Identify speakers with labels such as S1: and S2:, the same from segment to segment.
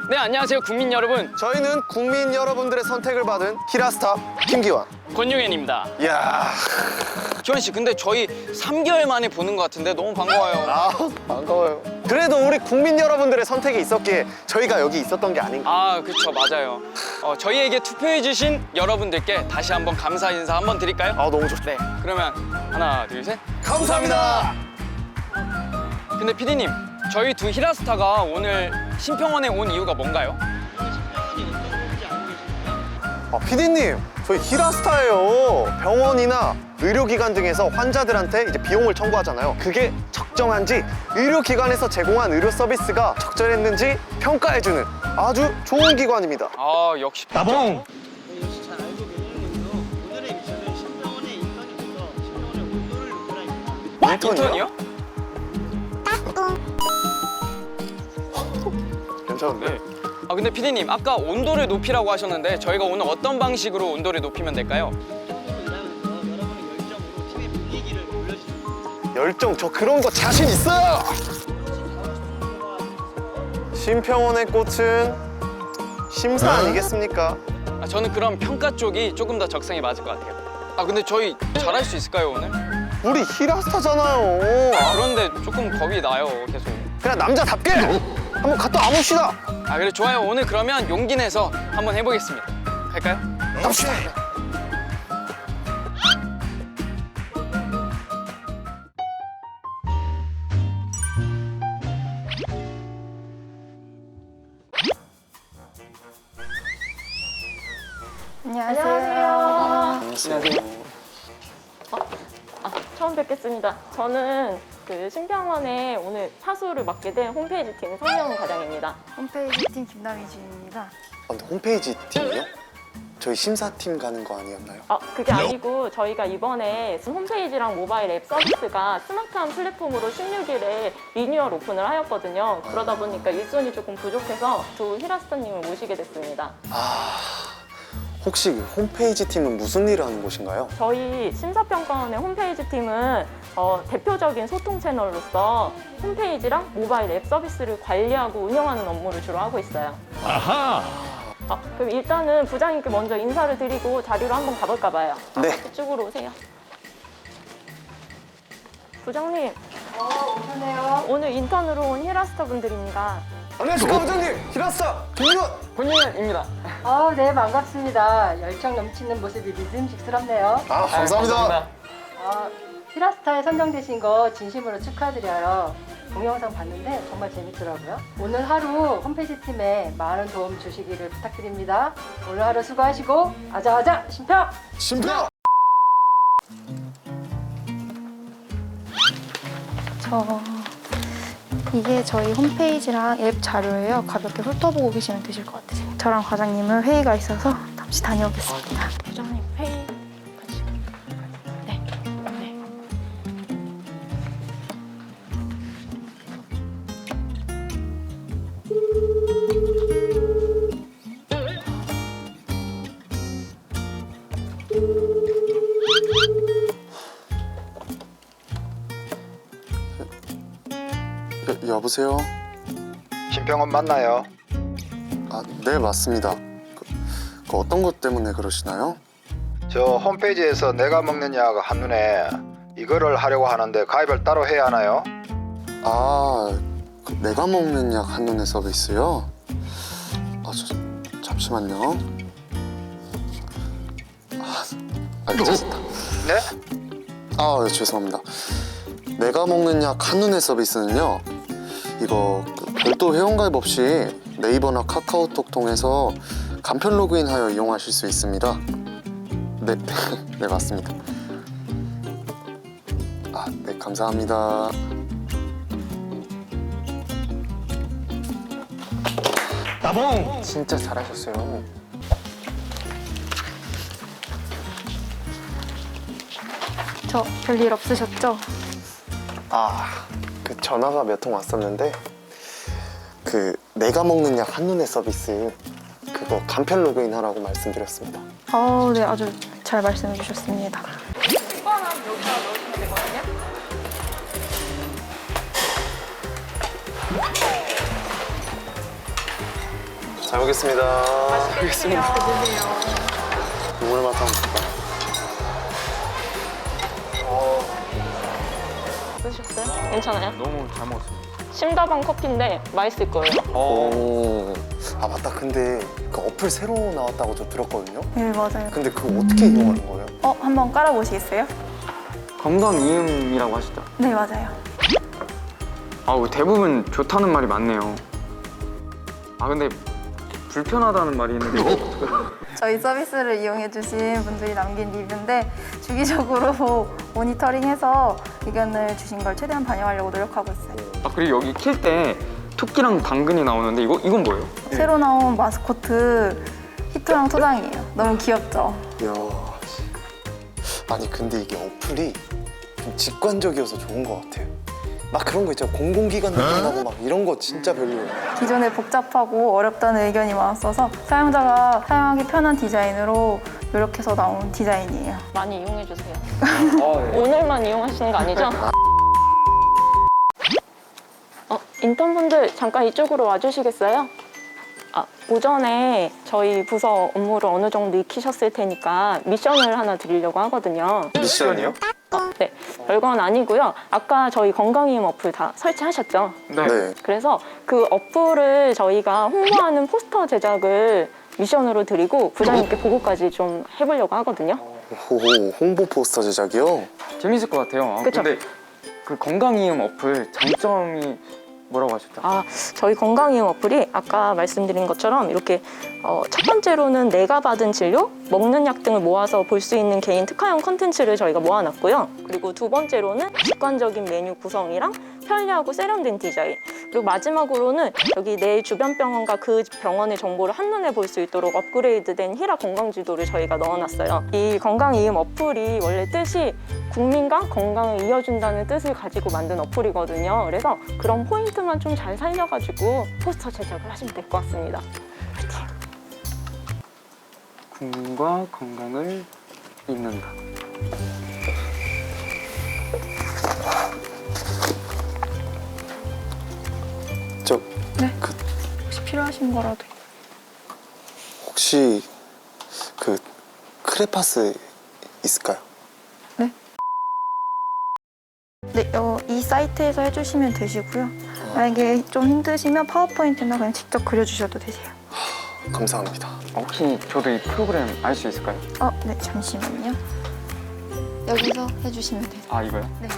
S1: 네, 안녕하세요 국민 여러분.
S2: 저희는 국민 여러분들의 선택을 받은 히라스타 김기환.
S1: 권용현입니다.
S2: 이야.
S1: 기환 씨, 근데 저희 3개월 만에 보는 것 같은데 너무 반가워요.
S2: 아, 반가워요. 그래도 우리 국민 여러분들의 선택이 있었기에 저희가 여기 있었던 게 아닌가.
S1: 아, 그쵸, 맞아요. 저희에게 투표해주신 여러분들께 다시 한번 감사 인사 한번 드릴까요?
S2: 아, 너무 좋죠.
S1: 네, 그러면 하나, 둘, 셋.
S2: 감사합니다.
S1: 근데 피디님, 저희 두 히라스타가 오늘 신평원에 온 이유가 뭔가요?
S2: 아, 피디님, 저희 히라스타예요. 병원이나 의료기관 등에서 환자들한테 이제 비용을 청구하잖아요. 그게 적정한지, 의료기관에서 제공한 의료 서비스가 적절했는지 평가해주는 아주 좋은 기관입니다.
S1: 아, 역시
S2: 나봉!
S3: 저희 역시 잘 알고 계시는 건데요. 오늘의 미션은 신병원의 인턴이 돼서 신병원의 온도를 높여라입니다.
S1: 인턴이요?
S2: 괜찮은데?
S1: 아, 근데 피디님, 아까 온도를 높이라고 하셨는데 저희가 오늘 어떤 방식으로 온도를 높이면 될까요?
S3: 팀으로 일하면서 여러분의 열정으로 팀의 분위기를 올려주시면 됩니다.
S2: 열정, 저 그런 거 자신 있어요! 심평원의 꽃은 심사 아니겠습니까?
S1: 아, 저는 그럼 평가 쪽이 조금 더 적성에 맞을 것 같아요. 아, 근데 저희 잘할 수 있을까요, 오늘?
S2: 우리 히라스타잖아요.
S1: 그런데 조금 겁이 나요, 계속.
S2: 그냥 남자답게 한번 갔다 와봅시다.
S1: 아, 그래, 좋아요. 오늘 그러면 용기 내서 한번 해보겠습니다. 갈까요?
S2: 갑시다.
S4: 안녕하세요.
S1: 안녕하세요.
S4: 처음 뵙겠습니다. 저는 그 신병원에 오늘 사수를 맡게 된 홈페이지 팀 성명 과장입니다.
S5: 홈페이지 팀 김남희주입니다.
S2: 아, 근데 홈페이지 팀이요? 저희 심사팀 가는 거 아니었나요?
S4: 그게 아니고 저희가 이번에 홈페이지랑 모바일 앱 서비스가 스마트한 플랫폼으로 16일에 리뉴얼 오픈을 하였거든요. 그러다 보니까 일손이 조금 부족해서 두 히라스타님을 모시게 됐습니다.
S2: 혹시 그 홈페이지 팀은 무슨 일을 하는 곳인가요?
S4: 저희 심사평가원의 홈페이지 팀은 대표적인 소통 채널로서 홈페이지랑 모바일 앱 서비스를 관리하고 운영하는 업무를 주로 하고 있어요. 그럼 일단은 부장님께 먼저 인사를 드리고 자리로 한번 가볼까 봐요.
S2: 네.
S4: 이쪽으로 오세요. 부장님,
S5: 오셨네요.
S4: 오늘 인턴으로 온 히라스타 분들입니다.
S2: 안녕하십니까 부장님! 히라스타 김기환!
S1: 권용현입니다.
S5: 네, 반갑습니다. 열정 넘치는 모습이 믿음직스럽네요.
S2: 감사합니다.
S5: 히라스타에 선정되신 거 진심으로 축하드려요. 동영상 봤는데 정말 재밌더라고요. 오늘 하루 홈페이지 팀에 많은 도움 주시기를 부탁드립니다. 오늘 하루 수고하시고 아자아자 심평!
S2: 심평!
S6: 이게 저희 홈페이지랑 앱 자료예요. 가볍게 훑어보고 계시면 되실 것 같으세요. 저랑 과장님은 회의가 있어서 잠시 다녀오겠습니다. 부장님 회의 같이. 네. 네.
S2: 여보세요?
S7: 신병원 맞나요?
S2: 네 맞습니다. 그 어떤 것 때문에 그러시나요?
S7: 저 홈페이지에서 내가 먹는 약 한눈에 이거를 하려고 하는데 가입을 따로 해야 하나요?
S2: 그 내가 먹는 약 한눈에 서비스요? 잠시만요. 알겠습니다.
S7: 네?
S2: 네, 죄송합니다. 내가 먹는 약 한눈에 서비스는요, 이거 별도 회원가입 없이 네이버나 카카오톡 통해서 간편 로그인하여 이용하실 수 있습니다. 네, 네 맞습니다. 네 감사합니다.
S1: 나봉! 진짜 잘하셨어요.
S6: 저 별일 없으셨죠?
S2: 그 전화가 몇 통 왔었는데 그 내가 먹는 약 한눈에 서비스 그거 간편 로그인 하라고 말씀드렸습니다.
S6: 네, 아주 잘 말씀해 주셨습니다.
S2: 잘 먹겠습니다.
S4: 맛있겠습니다.
S2: 국물 맛 한번 볼까?
S4: 드셨어요? 괜찮아요?
S1: 너무 잘 먹었습니다.
S4: 심다방 커피인데 맛있을 거예요.
S2: 오. 아 맞다. 근데 그 어플 새로 나왔다고 저 들었거든요.
S6: 네, 맞아요.
S2: 근데 그거 어떻게 이용하는 거예요?
S6: 한번 깔아보시겠어요?
S1: 건강 이음이라고 하시죠?
S6: 네, 맞아요.
S1: 대부분 좋다는 말이 많네요. 근데 불편하다는 말이 있는데
S6: 저희 서비스를 이용해주신 분들이 남긴 리뷰인데 주기적으로 모니터링해서 의견을 주신 걸 최대한 반영하려고 노력하고 있어요.
S1: 그리고 여기 킬 때 토끼랑 당근이 나오는데 이건 뭐예요?
S6: 새로 나온 마스코트 히토랑 토장이에요. 너무 귀엽죠?
S2: 이야. 아니 근데 이게 어플이 좀 직관적이어서 좋은 것 같아요. 막 그런 거 있잖아. 공공기관 느낌나고 막 이런 거 진짜 별로예요.
S6: 기존에 복잡하고 어렵다는 의견이 많았어서 사용자가 사용하기 편한 디자인으로 노력해서 나온 디자인이에요.
S4: 많이 이용해주세요. 오늘만 이용하시는 거 아니죠? 인턴분들 잠깐 이쪽으로 와주시겠어요? 오전에 저희 부서 업무를 어느 정도 익히셨을 테니까 미션을 하나 드리려고 하거든요.
S2: 미션이요?
S4: 네, 별건 아니고요. 아까 저희 건강이음 어플 다 설치하셨죠?
S2: 네.
S4: 그래서 그 어플을 저희가 홍보하는 포스터 제작을 미션으로 드리고 부장님께 보고까지 좀 해보려고 하거든요.
S2: 오, 홍보 포스터 제작이요?
S1: 재밌을 것 같아요.
S4: 그쵸?
S1: 근데 그 건강 이음 어플 장점이 뭐라고 하셨죠?
S4: 저희 건강이음 어플이 아까 말씀드린 것처럼 이렇게 첫 번째로는 내가 받은 진료, 먹는 약 등을 모아서 볼 수 있는 개인 특화형 컨텐츠를 저희가 모아놨고요. 그리고 두 번째로는 직관적인 메뉴 구성이랑 편리하고 세련된 디자인, 그리고 마지막으로는 여기 내 주변 병원과 그 병원의 정보를 한눈에 볼 수 있도록 업그레이드된 히라 건강지도를 저희가 넣어놨어요. 이 건강이음 어플이 원래 뜻이 국민과 건강을 이어준다는 뜻을 가지고 만든 어플이거든요. 그래서 그런 포인트만 좀 잘 살려가지고 포스터 제작을 하시면 될 것 같습니다.
S1: 국민과 건강을 잇는다.
S6: 혹시 필요하신 거라도.
S2: 혹시 그 크레파스 있을까요?
S6: 네, 이 사이트에서 해주시면 되시고요. 만약에 좀 힘드시면 파워포인트나 그냥 직접 그려주셔도 되세요.
S2: 감사합니다.
S1: 혹시 저도 이 프로그램 알 수 있을까요?
S6: 네, 잠시만요. 여기서 해주시면 되세요.
S1: 이거요?
S6: 네.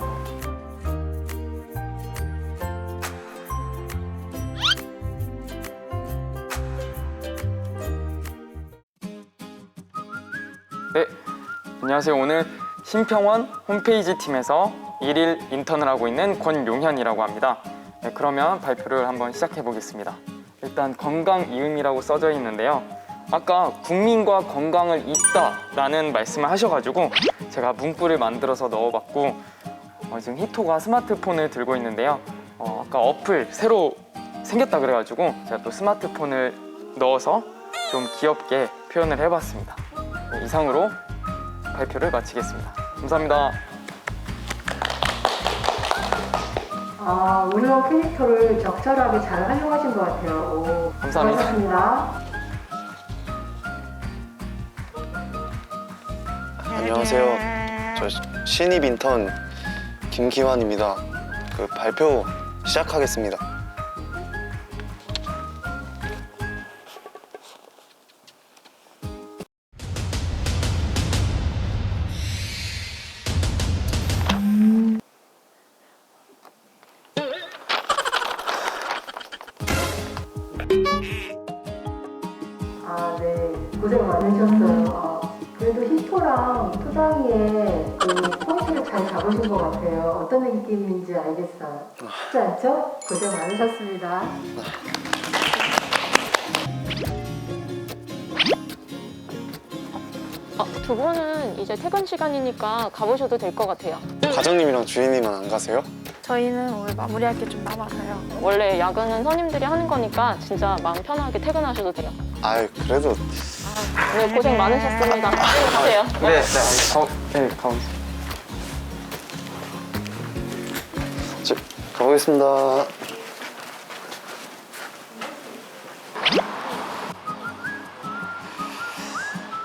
S1: 네, 안녕하세요. 오늘 신평원 홈페이지 팀에서 일일 인턴을 하고 있는 권용현이라고 합니다. 네, 그러면 발표를 한번 시작해 보겠습니다. 일단 건강 이음이라고 써져 있는데요. 아까 국민과 건강을 잇다라는 말씀을 하셔가지고 제가 문구를 만들어서 넣어봤고 지금 히토가 스마트폰을 들고 있는데요. 아까 어플 새로 생겼다 그래가지고 제가 또 스마트폰을 넣어서 좀 귀엽게 표현을 해봤습니다. 네, 이상으로 발표를 마치겠습니다. 감사합니다.
S5: 운영 캐릭터를 적절하게 잘 활용하신 것 같아요.
S1: 감사합니다.
S5: 고맙습니다.
S2: 안녕하세요. 저 신입 인턴 김기환입니다. 그 발표 시작하겠습니다.
S5: 네. 고생 많으셨어요. 그래도 히토랑 토장이의 그 포인트를 잘 잡으신 것 같아요. 어떤 느낌인지 알겠어요. 쉽지 않죠? 고생 많으셨습니다.
S4: 두 분은 이제 퇴근 시간이니까 가보셔도 될 것 같아요.
S2: 과장님이랑 주인님은 안 가세요?
S6: 저희는 오늘 마무리할 게 좀 남아서요.
S4: 원래 야근은 선임들이 하는 거니까 진짜 마음 편하게 퇴근하셔도 돼요.
S2: 아유 그래도
S4: 오늘 고생 많으셨습니다. 가세요.
S1: 네, 가보겠습니다.
S2: 가보겠습니다.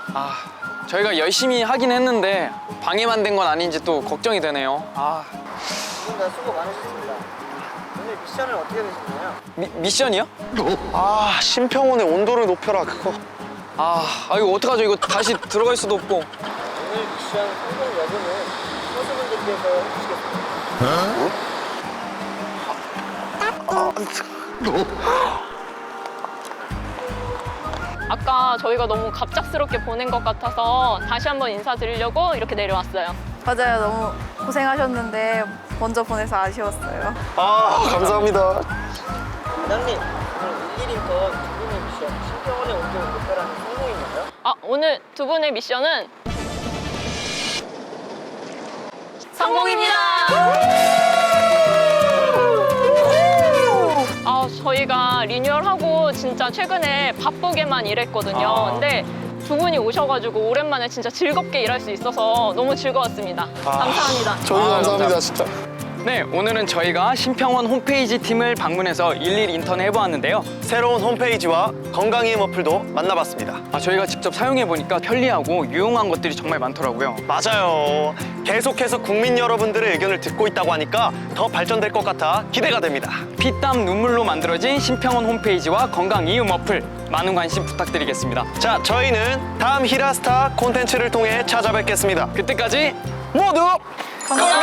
S1: 저희가 열심히 하긴 했는데 방해만 된 건 아닌지 또 걱정이 되네요.
S3: 두 분 다 수고 많으셨습니다. 오늘 미션은 어떻게 되셨나요?
S1: 미션이요?
S2: 심평원의 온도를 높여라 그거.
S1: 이거 어떡하죠? 이거 다시 들어갈 수도 없고.
S3: 오늘 미션 성공 여부는 선수분들께서 해주시겠습니다.
S4: 아까 저희가 너무 갑작스럽게 보낸 것 같아서 다시 한번 인사드리려고 이렇게 내려왔어요.
S6: 맞아요. 너무 고생하셨는데 먼저 보내서 아쉬웠어요.
S2: 감사합니다.
S3: 부장님, 오늘 1일인턴 두 분의 미션 신병원의 온도를 높여라는 성공인가요?
S4: 오늘 두 분의 미션은 성공입니다. 저희가 리뉴얼하고 진짜 최근에 바쁘게만 일했거든요. 근데 두 분이 오셔가지고 오랜만에 진짜 즐겁게 일할 수 있어서 너무 즐거웠습니다. 감사합니다.
S2: 저희도 감사합니다 진짜.
S1: 네, 오늘은 저희가 심평원 홈페이지 팀을 방문해서 일일 인턴을 해보았는데요.
S8: 새로운 홈페이지와 건강이음 어플도 만나봤습니다.
S1: 저희가 직접 사용해보니까 편리하고 유용한 것들이 정말 많더라고요.
S8: 맞아요. 계속해서 국민 여러분들의 의견을 듣고 있다고 하니까 더 발전될 것 같아 기대가 됩니다.
S1: 피땀 눈물로 만들어진 심평원 홈페이지와 건강이음 어플 많은 관심 부탁드리겠습니다.
S8: 자, 저희는 다음 히라스타 콘텐츠를 통해 찾아뵙겠습니다.
S1: 그때까지
S8: 모두
S1: 건강!